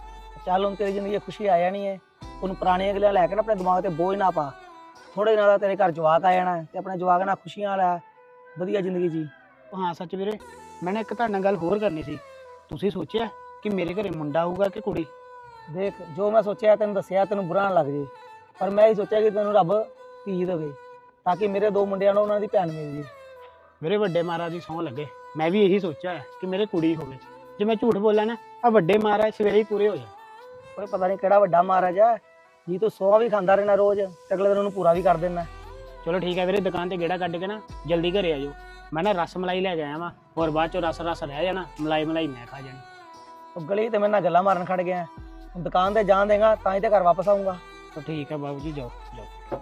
F: ਚੱਲ ਹੁਣ ਤੇਰੀ ਜ਼ਿੰਦਗੀ 'ਚ ਖੁਸ਼ੀ ਆ ਜਾਣੀ ਹੈ, ਉਹਨੂੰ ਪੁਰਾਣੀਆਂ ਗੱਲਾਂ ਲੈ ਕੇ ਨਾ ਆਪਣੇ ਦਿਮਾਗ ਤੇ ਬੋਝ ਨਾ ਪਾ। ਥੋੜੇ ਨਾਲ ਤੇਰੇ ਘਰ ਜਵਾਕ ਆ ਜਾਣਾ ਤੇ ਆਪਣੇ ਜਵਾਕ ਨਾਲ ਖੁਸ਼ੀਆਂ ਲੈ, ਵਧੀਆ ਜ਼ਿੰਦਗੀ ਜੀ।
A: ਹਾਂ ਸੱਚ ਵੀਰੇ, ਮੈਂ ਨਾ ਇੱਕ ਤੁਹਾਡੇ ਨਾਲ ਗੱਲ ਹੋਰ ਕਰਨੀ ਸੀ। ਤੁਸੀਂ ਸੋਚਿਆ ਕਿ ਮੇਰੇ ਘਰੇ ਮੁੰਡਾ ਆਊਗਾ ਕਿ ਕੁੜੀ?
F: ਦੇਖ, ਜੋ ਮੈਂ ਸੋਚਿਆ ਤੈਨੂੰ ਦੱਸਿਆ, ਤੈਨੂੰ ਬੁਰਾ ਨਾ ਲੱਗ ਜੇ, ਪਰ ਮੈਂ ਇਹ ਸੋਚਿਆ ਕਿ ਤੈਨੂੰ ਰੱਬ ਧੀ ਦੇਵੇ ਤਾਂ ਕਿ ਮੇਰੇ ਦੋ ਮੁੰਡਿਆਂ ਨੂੰ ਉਹਨਾਂ ਦੀ ਭੈਣ ਮਿਲ ਜੇ।
A: ਮੇਰੇ ਵੱਡੇ ਮਹਾਰਾਜ ਦੀ ਸਹੁੰ ਲੱਗੇ, ਮੈਂ ਵੀ ਇਹੀ ਸੋਚਿਆ ਹੈ ਕਿ ਮੇਰੇ ਕੁੜੀ ਹੋਵੇ। ਜੇ ਮੈਂ ਝੂਠ ਬੋਲਾਂ ਨਾ, ਆ ਵੱਡੇ ਮਹਾਰਾਜ ਸਵੇਰੇ ਹੀ ਪੂਰੇ ਹੋ ਜਾਣ।
F: ਪਰ ਪਤਾ ਨਹੀਂ ਕਿਹੜਾ ਵੱਡਾ ਮਹਾਰਾਜ ਹੈ ਜੀ, ਤੂੰ ਸੌ ਵੀ ਖਾਂਦਾ ਰਹਿਣਾ ਰੋਜ਼ ਤੇ ਅਗਲੇ ਦਿਨ ਉਹਨੂੰ ਪੂਰਾ ਵੀ ਕਰ ਦੇਣਾ।
A: ਚਲੋ ਠੀਕ ਹੈ ਵੀਰੇ, ਦੁਕਾਨ ਤੇ ਗੇੜਾ ਕੱਢ ਕੇ ਨਾ ਜਲਦੀ ਘਰੇ ਆ ਜਾਓ। ਮੈਂ ਨਾ ਰਸ ਮਲਾਈ ਲੈ ਕੇ ਆਇਆ ਵਾਂ, ਹੋਰ ਬਾਅਦ ਚੋਂ ਰਸ ਰਸ ਰਹਿ ਜਾਣਾ, ਮਲਾਈ ਮਲਾਈ ਮੈਂ ਖਾ ਜਾਣੀ।
F: ਉਹ ਗਲੀ ਤੇ ਮੇਰੇ ਨਾਲ ਗੱਲਾਂ ਮਾਰਨ ਖੜ ਗਿਆ, ਹੁਣ ਦੁਕਾਨ ਤੇ ਜਾਣ ਦੇਗਾ ਤਾਂ ਹੀ ਤੇ ਘਰ ਵਾਪਸ ਆਊਂਗਾ।
A: ਤਾਂ ਠੀਕ ਹੈ ਬਾਬੂ ਜੀ, ਜਾਓ ਜਾਓ,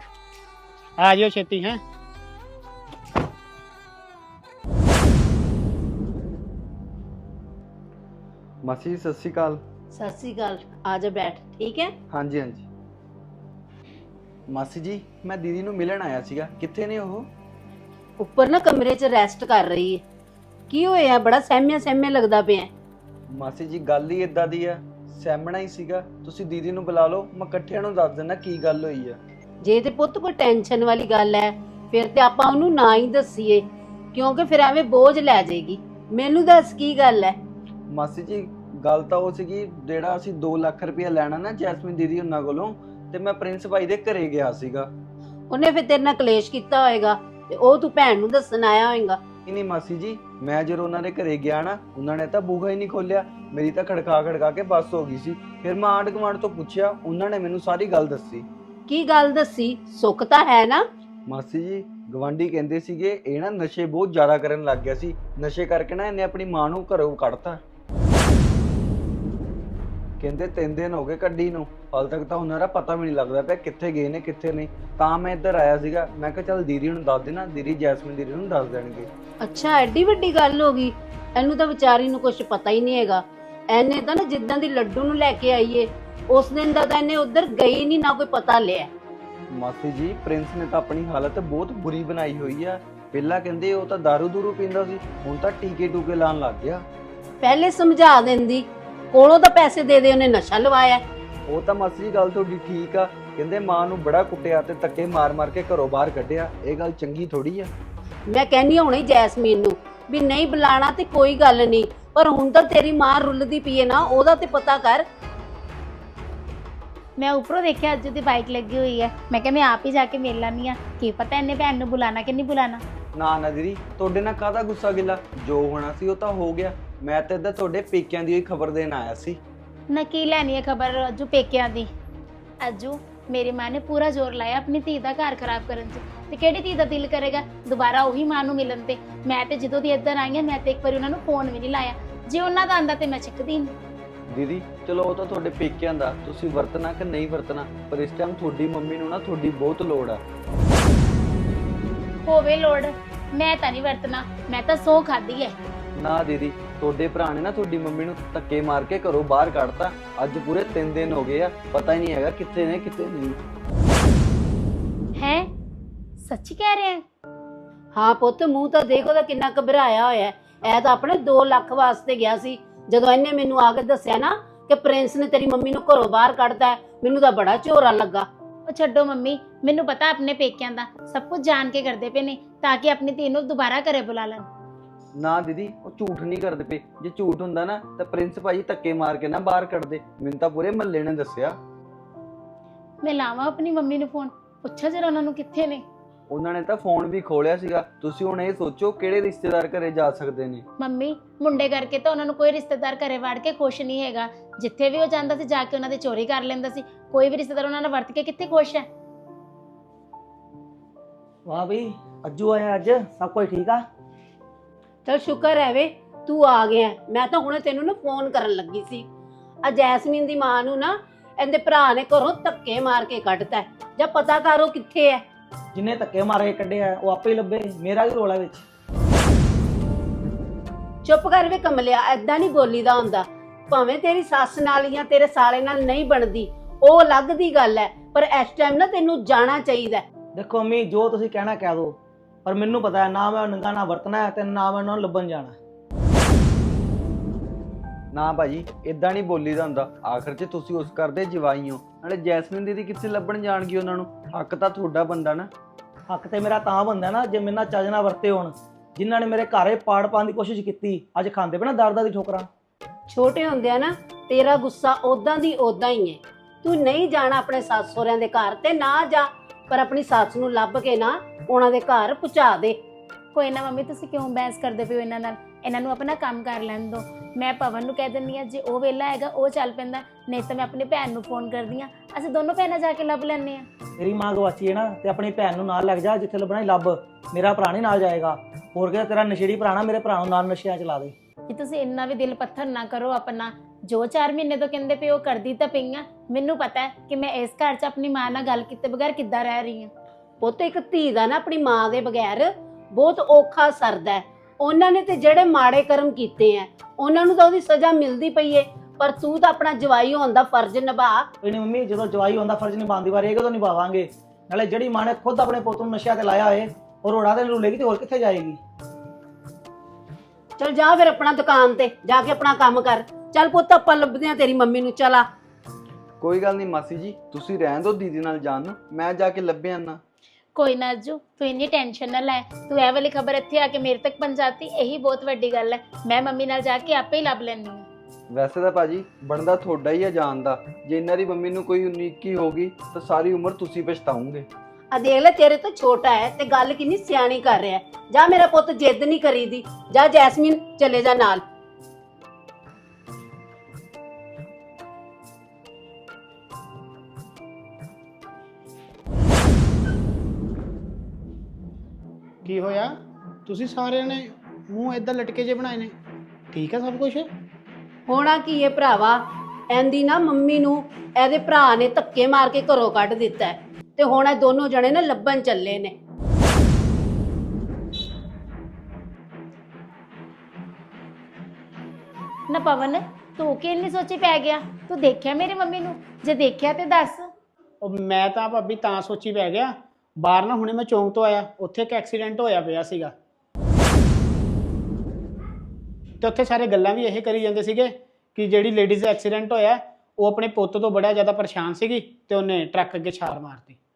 A: ਆ ਜਿਓ ਛੇਤੀ। ਹੈ
G: ਮਾਸੀ ਸਤਿ ਸ਼੍ਰੀ ਅਕਾਲ।
C: ਸਤਿ ਸ੍ਰੀ ਅਕਾਲ, ਆ ਜਾ ਬੈਠ। ਠੀਕ ਹੈ?
G: ਹਾਂਜੀ ਹਾਂਜੀ ਮਾਸੀ ਜੀ, ਮੈਂ ਦੀਦੀ ਨੂੰ ਮਿਲਣ ਆਇਆ ਸੀਗਾ, ਕਿੱਥੇ ਨੇ ਉਹ?
C: ਉੱਪਰ ਨਾ ਕਮਰੇ 'ਚ ਰੈਸਟ ਕਰ ਰਹੀ ਹੈ। ਕੀ ਹੋਇਆ? ਬੜਾ ਸਹਿਮਿਆ ਸਹਿਮਿਆ ਲੱਗਦਾ ਪਿਆ।
G: ਮਾਸੀ ਜੀ ਗੱਲ ਹੀ ਇਦਾਂ ਦੀ ਆ, ਸਹਿਮਣਾ ਹੀ ਸੀਗਾ। ਤੁਸੀਂ ਦੀਦੀ ਨੂੰ ਬੁਲਾ ਲਓ, ਮੈਂ ਇਕੱਠਿਆਂ ਨੂੰ ਦੱਸ ਦਿੰਦਾ ਕੀ ਗੱਲ ਹੋਈ ਆ।
C: ਜੇ ਤੇ ਪੁੱਤ ਕੋਈ ਟੈਨਸ਼ਨ ਵਾਲੀ ਗੱਲ ਹੈ ਫਿਰ ਤੇ ਆਪਾਂ ਉਹਨੂੰ ਨਾ ਹੀ ਦੱਸੀਏ, ਕਿਉਂਕਿ ਫਿਰ ਐਵੇਂ ਬੋਝ ਲੈ ਜਾਏਗੀ। ਮੈਨੂੰ ਦੱਸ ਕੀ ਗੱਲ ਹੈ?
G: ਮਾਸੀ ਜੀ ਗੱਲ ਤਾਂ ਉਹ ਸੀਗੀ, ਜਿਹੜਾ ਅਸੀਂ ਦੋ ਲੱਖ ਰੁਪਇਆ ਲੈਣਾ ਨਾ ਜੈਸਮੀਨ ਦੀਦੀ ਉਹਨਾਂ ਕੋਲੋਂ, ਤੇ ਮੈਂ ਪ੍ਰਿੰਸ ਭਾਈ ਦੇ ਘਰੇ ਗਿਆ ਸੀਗਾ।
C: ਉਹਨੇ ਫਿਰ ਤੇਰੇ ਨਾਲ ਕਲੇਸ਼ ਕੀਤਾ ਹੋਏਗਾ ਤੇ ਉਹ ਤੂੰ ਭੈਣ ਨੂੰ ਦੱਸਣ ਆਇਆ ਹੋਏਗਾ।
G: ਨਹੀਂ ਨਹੀਂ ਮਾਸੀ ਜੀ, ਮੈਂ ਜਦੋਂ ਉਹਨਾਂ ਦੇ ਘਰੇ ਗਿਆ ਨਾ, ਉਹਨਾਂ ਨੇ ਤਾਂ ਬੂਹਾ ਹੀ ਨਹੀਂ ਖੋਲਿਆ, ਮੇਰੀ ਤਾਂ ਖੜਕਾ ਖੜਕਾ ਕੇ ਬੱਸ ਹੋ ਗਈ ਸੀ। ਫਿਰ ਮੈਂ ਆਂਢ ਗੁਆਂਢ ਤੋਂ ਪੁੱਛਿਆ, ਉਹਨਾਂ ਨੇ ਮੈਨੂੰ ਸਾਰੀ ਗੱਲ ਦੱਸੀ।
C: ਕੀ ਗੱਲ ਦੱਸੀ? ਸੁੱਖ ਤਾਂ ਹੈ ਨਾ?
G: ਮਾਸੀ ਜੀ ਗਵਾਂਢੀ ਕਹਿੰਦੇ ਸੀਗੇ ਇਹ ਨਾ ਨਸ਼ੇ ਬਹੁਤ ਜ਼ਿਆਦਾ ਕਰਨ ਲੱਗ ਗਿਆ ਸੀ, ਨਸ਼ੇ ਕਰਕੇ ਨਾ ਇਹਨੇ ਆਪਣੀ ਮਾਂ ਨੂੰ ਘਰੋਂ ਕੱਢਤਾ। ਕਹਿੰਦੇ ਤਿੰਨ ਦਿਨ ਹੋ ਗਏ ਕੱਢੀ ਨੂੰ, ਹਾਲ ਤੱਕ ਤਾਂ ਉਹਨਾਂ ਦਾ ਪਤਾ ਵੀ ਨਹੀਂ ਲੱਗਦਾ ਪਿਆ ਕਿੱਥੇ ਗਏ ਨੇ ਕਿੱਥੇ ਨਹੀਂ। ਤਾਂ ਮੈਂ ਇੱਧਰ ਆਇਆ ਸੀਗਾ, ਮੈਂ ਕਿਹਾ ਚੱਲ ਦੀਦੀ ਨੂੰ ਦੱਸ ਦੇਣਾ, ਦੀਦੀ ਜੈਸਮੀਨ ਦੀਦੀ ਨੂੰ ਦੱਸ ਦੇਣਗੇ।
C: ਅੱਛਾ ਐਡੀ ਵੱਡੀ ਗੱਲ ਹੋ ਗਈ, ਇਹਨੂੰ ਤਾਂ ਵਿਚਾਰੀ ਨੂੰ ਕੁਝ ਪਤਾ ਹੀ ਨਹੀਂ ਹੈਗਾ। ਇਹਨੇ ਤਾਂ ਨਾ ਜਿੱਦਾਂ ਦੀ ਲੱਡੂ ਨੂੰ ਲੈ ਕੇ ਆਈਏ ਉਸ ਦਿਨ ਦਾ ਤਾਂ ਇਹਨੇ ਉਧਰ ਗਈ ਨਹੀਂ, ਨਾ ਕੋਈ ਪਤਾ ਲਿਆ।
G: ਮਾਸੀ ਜੀ ਪ੍ਰਿੰਸ ਨੇ ਤਾਂ ਆਪਣੀ ਹਾਲਤ ਬਹੁਤ ਬੁਰੀ ਬਣਾਈ ਹੋਈ ਆ। ਪਹਿਲਾਂ ਕਹਿੰਦੇ ਉਹ ਤਾਂ ਦਾਰੂ ਦੂਰੂ ਪੀਂਦਾ ਸੀ, ਹੁਣ ਤਾਂ ਟੀਕੇ ਟੂਕੇ ਲਾਉਣ ਲੱਗ ਗਿਆ।
C: ਪਹਿਲੇ ਸਮਝਾ ਦਿੰਦੀ, ਕੋਲੋਂ ਤਾਂ ਪੈਸੇ ਦੇ ਦੇ ਉਹਨੇ ਨਸ਼ਾ ਲਵਾਇਆ।
G: ਉਹ ਤਾਂ ਮਾਸੀ ਜੀ ਗੱਲ ਤੁਹਾਡੀ ਠੀਕ ਆ, ਕਹਿੰਦੇ ਮਾਂ ਨੂੰ ਬੜਾ ਕੁੱਟਿਆ ਤੇ ਧੱਕੇ ਮਾਰ ਮਾਰ ਕੇ ਘਰੋਂ ਬਾਹਰ ਕੱਢਿਆ। ਇਹ ਗੱਲ ਚੰਗੀ ਥੋੜੀ ਆ।
C: ਮੈਂ ਕਹਿੰਦੀ ਹੁਣੇ ਜੈਸਮੀਨ ਨੂੰ ਵੀ ਨਹੀਂ ਬੁਲਾਣਾ ਤੇ ਕੋਈ ਗੱਲ ਨਹੀਂ, ਪਰ ਹੁਣ ਤਾਂ ਤੇਰੀ ਮਾਂ ਰੁੱਲਦੀ ਪਈ ਹੈ ਨਾ, ਉਹਦਾ ਤੇ ਪਤਾ ਕਰ।
H: ਮੈਂ ਉੱਪਰੋਂ ਦੇਖਿਆ ਅੱਜ ਦੀ ਬਾਈਕ ਲੱਗੀ ਹੋਈ ਹੈ, ਮੈਂ ਕਿਹਾ ਮੈਂ ਆਪ ਹੀ ਜਾ ਕੇ ਮਿਲ ਲਾਨੀ ਆ, ਕੀ ਪਤਾ ਇਹਨੇ ਭੈਣ ਨੂੰ ਬੁਲਾਣਾ ਕਿ ਨਹੀਂ ਬੁਲਾਣਾ।
G: ਨਾ ਨਾ ਦੀਦੀ ਤੁਹਾਡੇ ਨਾਲ ਕਾਹਦਾ ਗੁੱਸਾ ਗਿਲਾ, ਜੋ ਹੋਣਾ ਸੀ ਉਹ ਤਾਂ ਹੋ ਗਿਆ। ਮੈਂ ਤਾਂ ਇੱਧਰ ਤੁਹਾਡੇ ਪੇਕਿਆਂ ਦੀ ਹੋਈ ਖਬਰ ਦੇਣ ਆਇਆ ਸੀ।
H: ਨਾ ਕੀ ਲੈਣੀ ਹੈ ਖਬਰ ਅੱਜੂ ਪੇਕਿਆਂ ਦੀ। ਅੱਜੂ ਮੇਰੀ ਮਾਂ ਨੇ ਪੂਰਾ ਜ਼ੋਰ ਲਾਇਆ ਆਪਣੀ ਧੀ ਦਾ ਘਰ ਖਰਾਬ ਕਰਨ 'ਚ, ਤੇ ਕਿਹੜੀ ਧੀ ਦਾ ਦਿਲ ਕਰੇਗਾ ਦੁਬਾਰਾ ਉਹੀ ਮਾਂ ਨੂੰ ਮਿਲਣ ਤੇ। ਮੈਂ ਤੇ ਜਦੋਂ ਦੀ ਇੱਧਰ ਆਈ ਹਾਂ ਮੈਂ ਤੇ ਇੱਕ ਵਾਰੀ ਉਹਨਾਂ ਨੂੰ ਫੋਨ ਵੀ ਨਹੀਂ ਲਾਇਆ, ਜੇ ਉਹਨਾਂ ਦਾ ਆਂਦਾ ਤੇ ਮੈਂ ਚੱਕਦੀ ਨਹੀਂ।
G: ਦੀਦੀ ਚਲੋ ਉਹ ਤਾਂ ਤੁਹਾਡੇ ਪੇਕਿਆਂ ਦਾ, ਤੁਸੀਂ ਵਰਤਣਾ ਕਿ ਨਹੀਂ ਵਰਤਣਾ, ਪਰ ਇਸ ਟਾਈਮ ਤੁਹਾਡੀ ਮੰਮੀ ਨੂੰ ਨਾ ਤੁਹਾਡੀ ਬਹੁਤ ਲੋੜ ਆ।
H: ਹੋਵੇ ਲੋੜ, ਮੈਂ ਤਾਂ ਨਹੀਂ ਵਰਤਣਾ, ਮੈਂ ਤਾਂ ਸੌ ਖਾਦੀ ਹੈ।
G: ਨਾ ਦੀਦੀ ਤੁਹਾਡੇ ਭਰਾ ਨੇ ਨਾ ਤੁਹਾਡੀ ਮੰਮੀ ਨੂੰ ਧੱਕੇ ਮਾਰ ਕੇ ਘਰੋਂ ਬਾਹਰ ਕੱਢਤਾ। ਅੱਜ ਪੂਰੇ ਤਿੰਨ ਦਿਨ ਹੋ ਗਏ ਆ, ਪਤਾ ਹੀ ਨਹੀਂ ਹੈਗਾ ਕਿੱਥੇ ਨੇ ਕਿੱਥੇ ਨਹੀਂ।
H: ਹੈ ਸੱਚੀ ਕਹਿ ਰਹੇ ਹੈ?
C: ਹਾਂ ਪੁੱਤ, ਮੂੰਹ ਤਾਂ ਦੇਖ ਉਹਦਾ ਕਿੰਨਾ ਘਬਰਾਇਆ ਹੋਇਆ। ਇਹ ਤਾਂ ਆਪਣੇ ਦੋ ਲੱਖ ਵਾਸਤੇ ਗਿਆ ਸੀ। ਜਦੋਂ ਇਹਨੇ ਮੈਨੂੰ ਆ ਕੇ ਦੱਸਿਆ ਨਾ ਕਿ ਪ੍ਰਿੰਸ ਨੇ ਤੇਰੀ ਮੰਮੀ ਨੂੰ ਘਰੋਂ ਬਾਹਰ ਕੱਢਤਾ, ਮੈਨੂੰ ਤਾਂ ਬੜਾ ਝੋਰਾ ਲੱਗਾ।
H: ਉਹ ਛੱਡੋ ਮੰਮੀ, ਮੈਨੂੰ ਪਤਾ ਆਪਣੇ ਪੇਕਿਆਂ ਦਾ ਸਭ ਕੁਝ ਜਾਣ ਕੇ ਕਰਦੇ ਪਏ ਨੇ ਤਾਂ ਕਿ ਆਪਣੀ ਧੀ ਨੂੰ ਦੁਬਾਰਾ ਘਰੇ ਬੁਲਾ ਲੈਣ।
G: ਨਾ ਦੀਦੀ ਉਹ ਝੂਠ ਨਹੀਂ ਕਰਦੇ ਪਏ, ਜੇ ਝੂਠ ਹੁੰਦਾ ਨਾ ਤਾਂ ਪ੍ਰਿੰਸ ਭਾਜੀ ਧੱਕੇ ਮਾਰ ਕੇ ਨਾ ਬਾਹਰ ਕੱਢਦੇ। ਮੈਨੂੰ ਤਾਂ ਪੂਰੇ ਮਹੱਲੇ ਨੇ ਦੱਸਿਆ।
H: ਮੈਂ ਲਾਵਾਂ ਆਪਣੀ ਮੰਮੀ ਨੂੰ ਫੋਨ, ਪੁੱਛਾਂ ਜਰਾ ਉਹਨਾਂ ਨੂੰ ਕਿੱਥੇ ਨੇ।
G: ਉਹਨਾਂ ਨੇ ਤਾਂ ਫੋਨ ਵੀ ਖੋਲਿਆ ਸੀਗਾ। ਤੁਸੀਂ ਹੁਣ ਇਹ ਸੋਚੋ ਕਿਹੜੇ ਰਿਸ਼ਤੇਦਾਰ ਘਰੇ ਜਾ ਸਕਦੇ ਨੇ।
H: ਮੰਮੀ ਮੁੰਡੇ ਕਰਕੇ ਤਾਂ ਉਹਨਾਂ ਨੂੰ ਕੋਈ ਰਿਸ਼ਤੇਦਾਰ ਘਰੇ ਵੜ ਕੇ ਖੁਸ਼ ਨਹੀਂ ਹੈਗਾ। ਜਿੱਥੇ ਵੀ ਉਹ ਜਾਂਦਾ ਸੀ ਜਾ ਕੇ ਉਹਨਾਂ ਦੀ ਚੋਰੀ ਕਰ ਲੈਂਦਾ ਸੀ। ਕੋਈ ਵੀ ਰਿਸ਼ਤੇਦਾਰ ਉਹਨਾਂ ਨਾਲ ਵਰਤ ਕੇ ਕਿੱਥੇ ਖੁਸ਼ ਹੈ।
F: ਵਾਹ ਬਈ ਅੱਜੂ ਆਇਆ, ਅੱਜ ਸਭ ਕੁਝ ਠੀਕ ਆ।
C: ਚਲ ਸ਼ੁਕਰ ਹੈ ਵੇ ਤੂੰ ਆ ਗਿਆ। ਮੈਂ ਤਾਂ ਹੁਣੇ ਤੈਨੂੰ ਨਾ ਫੋਨ ਕਰਨ ਲੱਗੀ ਸੀ। ਆ ਜੈਸਮੀਨ ਦੀ ਮਾਂ ਨੂੰ ਨਾ ਇਹਦੇ ਭਰਾ ਨੇ ਘਰੋਂ ਧੱਕੇ ਮਾਰ ਕੇ ਕੱਢਤਾ। ਜਾਂ ਪਤਾ ਕਰੋ ਕਿੱਥੇ ਹੈ।
F: ਜਿੰਨੇ ਧੱਕੇ ਮਾਰੇ ਕੱਢਿਆ ਉਹ ਆਪੇ ਹੀ ਲੱਭੇ, ਮੇਰਾ ਵੀ ਰੋਲਾ ਵਿੱਚ।
C: ਚੁੱਪ ਕਰ ਵੇ ਕਮਲਿਆ, ਐਦਾਂ ਨਹੀਂ ਬੋਲੀਦਾ ਹੁੰਦਾ। ਭਾਵੇਂ ਤੇਰੀ ਸੱਸ ਨਾਲ ਜਾਂ ਤੇਰੇ ਸਾਲੇ ਨਾਲ ਨਹੀਂ ਬਣਦੀ, ਉਹ ਅਲੱਗ ਦੀ ਗੱਲ ਹੈ, ਪਰ ਇਸ ਟਾਈਮ ਨਾ ਤੈਨੂੰ ਜਾਣਾ ਚਾਹੀਦਾ।
F: ਦੇਖੋ ਮੰਮੀ ਜੋ ਤੁਸੀਂ ਕਹਿਣਾ ਕਹਿ ਦੋ, ਪਰ ਮੈਨੂੰ ਪਤਾ ਹੈ ਨਾ ਮੈਂ ਨੰਗਾ ਨਾ ਵਰਤਣਾ ਹੈ ਤੇ ਨਾ ਮੈਂ ਉਹਨਾਂ ਨੂੰ ਲੱਭਣ ਜਾਣਾ।
G: ਨਾ ਭਾਜੀ ਇਦਾਂ ਨਹੀਂ ਬੋਲੀਦਾ ਹੁੰਦਾ, ਆਖਰ 'ਚ ਤੁਸੀਂ ਉਸ ਘਰ ਦੇ ਜਵਾਈ ਹੋ। ਨਾਲੇ ਜੈਸਮੀਨ ਦੀਦੀ ਕਿੱਥੇ ਲੱਭਣ ਜਾਣਗੀ ਉਹਨਾਂ ਨੂੰ, ਹੱਕ ਤਾਂ ਤੁਹਾਡਾ ਬੰਦਾ ਨਾ।
F: ਹੱਕ ਤੇ ਮੇਰਾ ਤਾਂ ਬੰਦਾ ਨਾ ਜੇ ਮੇਰੇ ਨਾਲ ਚੱਜ ਨਾਲ ਵਰਤੇ ਹੋਣ। ਜਿਨ੍ਹਾਂ ਨੇ ਮੇਰੇ ਘਰੇ ਪਾੜ ਪਾਉਣ ਦੀ ਕੋਸ਼ਿਸ਼ ਕੀਤੀ ਅੱਜ ਖਾਂਦੇ ਪਏ ਨਾ ਦਰਦਾਂ ਦੀ ਠੋਕਰਾਂ।
C: ਛੋਟੇ ਹੁੰਦਿਆਂ ਨਾ ਤੇਰਾ ਗੁੱਸਾ ਉਦਾਂ ਦੀ ਉਦਾਂ ਹੀ ਹੈ। ਤੂੰ ਨਹੀਂ ਜਾਣਾ ਆਪਣੇ ਸੱਸ ਸਹੁਰਿਆਂ ਦੇ ਘਰ ਤੇ ਨਾ ਜਾ, ਪਰ ਆਪਣੀ ਸੱਸ ਨੂੰ ਲੱਭ ਕੇ ਨਾ ਉਹਨਾਂ ਦੇ ਘਰ ਪਹੁੰਚਾ ਦੇ।
H: ਕੋਈ ਨਾ ਮੰਮੀ, ਤੁਸੀਂ ਕਿਉਂ ਬਹਿਸ ਕਰਦੇ ਪਏ ਹੋ ਇਹਨਾਂ ਨਾਲ? ਇਹਨਾਂ ਨੂੰ ਆਪਣਾ ਕੰਮ ਕਰ ਲੈਣ ਦਿਓ। ਮੈਂ ਪਵਨ ਨੂੰ ਕਹਿ ਦਿੰਦੀ ਹਾਂ, ਜੇ ਉਹ ਵਿਹਲਾ ਹੈਗਾ ਉਹ ਚੱਲ ਪੈਂਦਾ, ਨਹੀਂ ਤਾਂ ਮੈਂ ਆਪਣੀ ਭੈਣ ਨੂੰ ਫੋਨ ਕਰਦੀ ਹਾਂ, ਅਸੀਂ ਦੋਨੋਂ ਭੈਣਾਂ ਜਾ ਕੇ ਲੱਭ ਲੈਂਦੇ ਹਾਂ।
F: ਤੇਰੀ ਮਾਂ ਗਵਾਚੀ ਹੈ ਨਾ, ਤੇ ਆਪਣੀ ਭੈਣ ਨੂੰ ਨਾਲ ਲੱਗ ਜਾ, ਜਿੱਥੇ ਲੱਭਣਾ ਹੀ ਲੱਭ। ਮੇਰਾ ਭਰਾ ਨਹੀਂ ਨਾਲ ਜਾਏਗਾ। ਹੋਰ ਕਿਹਾ ਤੇਰਾ ਨਸ਼ੇੜੀ ਭਰਾ ਨਾ ਮੇਰੇ ਭਰਾ ਨੂੰ ਨਾਲ ਨਸ਼ਿਆਂ ਚ ਲਾ ਦੇ।
H: ਕਿ ਤੁਸੀਂ ਇੰਨਾ ਵੀ ਦਿਲ ਪੱਥਰ ਨਾ ਕਰੋ ਆਪਣਾ। ਜੋ ਚਾਰ ਮਹੀਨੇ ਤੋਂ ਕਹਿੰਦੇ ਪਏ ਉਹ ਕਰਦੀ ਤਾਂ ਪਈ ਆ। ਮੈਨੂੰ ਪਤਾ ਹੈ ਕਿ ਮੈਂ ਇਸ ਘਰ 'ਚ ਆਪਣੀ ਮਾਂ ਨਾਲ ਗੱਲ ਕੀਤੇ ਬਗੈਰ ਕਿੱਦਾਂ ਰਹਿ ਰਹੀ ਹਾਂ।
C: ਪੁੱਤ ਇੱਕ ਧੀ ਦਾ ਨਾ ਆਪਣੀ ਮਾਂ ਦੇ ਬਗੈਰ ਬਹੁਤ ਔਖਾ ਸਰਦਾ ਹੈ। ਉਹਨਾਂ ਨੇ ਤੇ ਜਿਹੜੇ ਮਾੜੇ ਕਰਮ ਕੀਤੇ ਆ ਉਹਨਾਂ ਨੂੰ ਤਾਂ ਉਹਦੀ ਸਜ਼ਾ ਮਿਲਦੀ ਪਈ ਏ, ਪਰ ਤੂੰ ਤਾਂ ਆਪਣਾ ਜਵਾਈ ਹੋਣ ਦਾ ਫਰਜ਼ ਨਿਭਾ।
F: ਕੋਈ ਨਹੀਂ ਮੰਮੀ, ਜਦੋਂ ਜਵਾਈ ਹੁੰਦਾ ਫਰਜ਼ ਨਿਭਾਉਣ ਦੀ ਵਾਰੀ ਇਹ ਕਦੋਂ ਨਿਭਾਵਾਂਗੇ। ਨਾਲੇ ਜਿਹੜੀ ਮਾਂ ਨੇ ਖੁਦ ਆਪਣੇ ਪੁੱਤ ਨੂੰ ਨਸ਼ਿਆਂ ਤੇ ਲਾਇਆ ਹੋਏ ਉਹ ਰੋੜਾ ਤੇ ਰੁਲੇਗੀ ਤੇ ਹੋਰ ਕਿੱਥੇ ਜਾਏਗੀ।
C: ਚਲ ਜਾ ਫਿਰ ਆਪਣਾ ਦੁਕਾਨ ਤੇ ਜਾ ਕੇ ਆਪਣਾ ਕੰਮ ਕਰ। ਚੱਲ ਪੁੱਤ ਆਪਾਂ ਲੱਭਦੇ ਆ ਤੇਰੀ ਮੰਮੀ ਨੂੰ। ਚਲਾ
G: ਕੋਈ ਗੱਲ ਨਹੀਂ ਮਾਸੀ ਜੀ, ਤੁਸੀਂ ਰਹਿਣ ਦਿਓ ਦੀਦੀ ਨਾਲ ਜਾਣ ਨੂੰ, ਮੈਂ ਜਾ ਕੇ ਲੱਭਿਆ ਨਾ।
H: ਕੋਈ ਨਾ ਅੱਜੂ, ਤੂੰ ਇੰਨੀ ਟੈਨਸ਼ਨ ਨਾ ਲੈ। ਤੂੰ ਇਹ ਵਾਲੀ ਖਬਰ ਇੱਥੇ ਆ ਕੇ ਮੇਰੇ ਤੱਕ ਪਹੁੰਚਾਤੀ, ਇਹੀ ਬਹੁਤ ਵੱਡੀ ਗੱਲ ਹੈ। ਮੈਂ ਮੰਮੀ ਨਾਲ ਜਾ ਕੇ ਆਪੇ ਹੀ ਲੱਭ ਲੈਂਦੀ ਹਾਂ।
G: ਵੈਸੇ ਤਾਂ ਭਾਜੀ ਬਣਦਾ ਤੁਹਾਡਾ ਹੀ ਆ ਜਾਣ ਦਾ। ਜੇ ਇਹਨਾਂ ਦੀ ਮੰਮੀ ਨੂੰ ਕੋਈ ਉਨੀਕੀ ਹੋਗੀ ਤਾਂ ਸਾਰੀ ਉਮਰ ਤੁਸੀਂ ਪਛਤਾਓਗੇ।
C: ਆ ਦੇਖ ਲੈ, ਤੇਰੇ ਤੋਂ ਛੋਟਾ ਹੈ ਤੇ ਗੱਲ ਕਿੰਨੀ ਸਿਆਣੀ ਕਰ ਰਿਹਾ। ਜਾ ਮੇਰਾ ਪੁੱਤ, ਜਿੱਦ ਨਹੀਂ ਕਰੀਦੀ। ਜਾ ਜੈਸਮੀਨ ਚਲੇ ਜਾ ਨਾਲ।
A: ਕੀ ਹੋਇਆ? ਤੁਸੀਂ ਸਾਰਿਆਂ ਨੇ ਮੂੰਹ ਏਦਾਂ ਲਟਕੇ ਜੇ ਬਣਾਏ ਨੇ? ਠੀਕ ਹੈ ਸਭ ਕੁਝ?
C: ਹੋਣਾ ਕੀ ਹੈ ਭਰਾਵਾ, ਇਹਦੀ ਨਾ ਮੰਮੀ ਨੂੰ ਇਹਦੇ ਭਰਾ ਨੇ ਧੱਕੇ ਮਾਰ ਕੇ ਘਰੋਂ ਕੱਢ ਦਿੱਤਾ ਹੈ ਤੇ ਹੁਣ ਇਹ ਦੋਨੋਂ ਜਣੇ ਨੇ ਲੱਭਣ ਚੱਲੇ ਨੇ।
H: ਨਾ ਪਵਨ, ਤੂੰ ਕਿ ਇੰਨੀ ਸੋਚੀ ਪੈ ਗਿਆ? ਤੂੰ ਦੇਖਿਆ ਮੇਰੀ ਮੰਮੀ ਨੂੰ? ਜੇ ਦੇਖਿਆ ਤੇ ਦੱਸ।
A: ਉਹ ਮੈਂ ਤਾਂ ਭਾਬੀ ਤਾਂ ਸੋਚੀ ਪੈ ਗਿਆ, ਬਾਹਰ ਨਾ ਹੁਣੇ ਮੈਂ ਚੌਂਕ ਤੋਂ ਆਇਆ, ਉੱਥੇ ਇੱਕ ਐਕਸੀਡੈਂਟ ਹੋਇਆ ਪਿਆ ਸੀਗਾ ਤੇ ਉੱਥੇ ਸਾਰੇ ਗੱਲਾਂ ਵੀ ਇਹ ਕਰੀ ਜਾਂਦੇ ਸੀਗੇ ਕਿ ਜਿਹੜੀ ਲੇਡੀਜ਼ ਦਾ ਐਕਸੀਡੈਂਟ ਹੋਇਆ ਉਹ ਆਪਣੇ ਪੁੱਤ ਤੋਂ ਬੜਾ ਜ਼ਿਆਦਾ ਪਰੇਸ਼ਾਨ ਸੀਗੀ ਤੇ ਉਹਨੇ ਟਰੱਕ ਅੱਗੇ ਛਾਲ ਮਾਰਤੀ।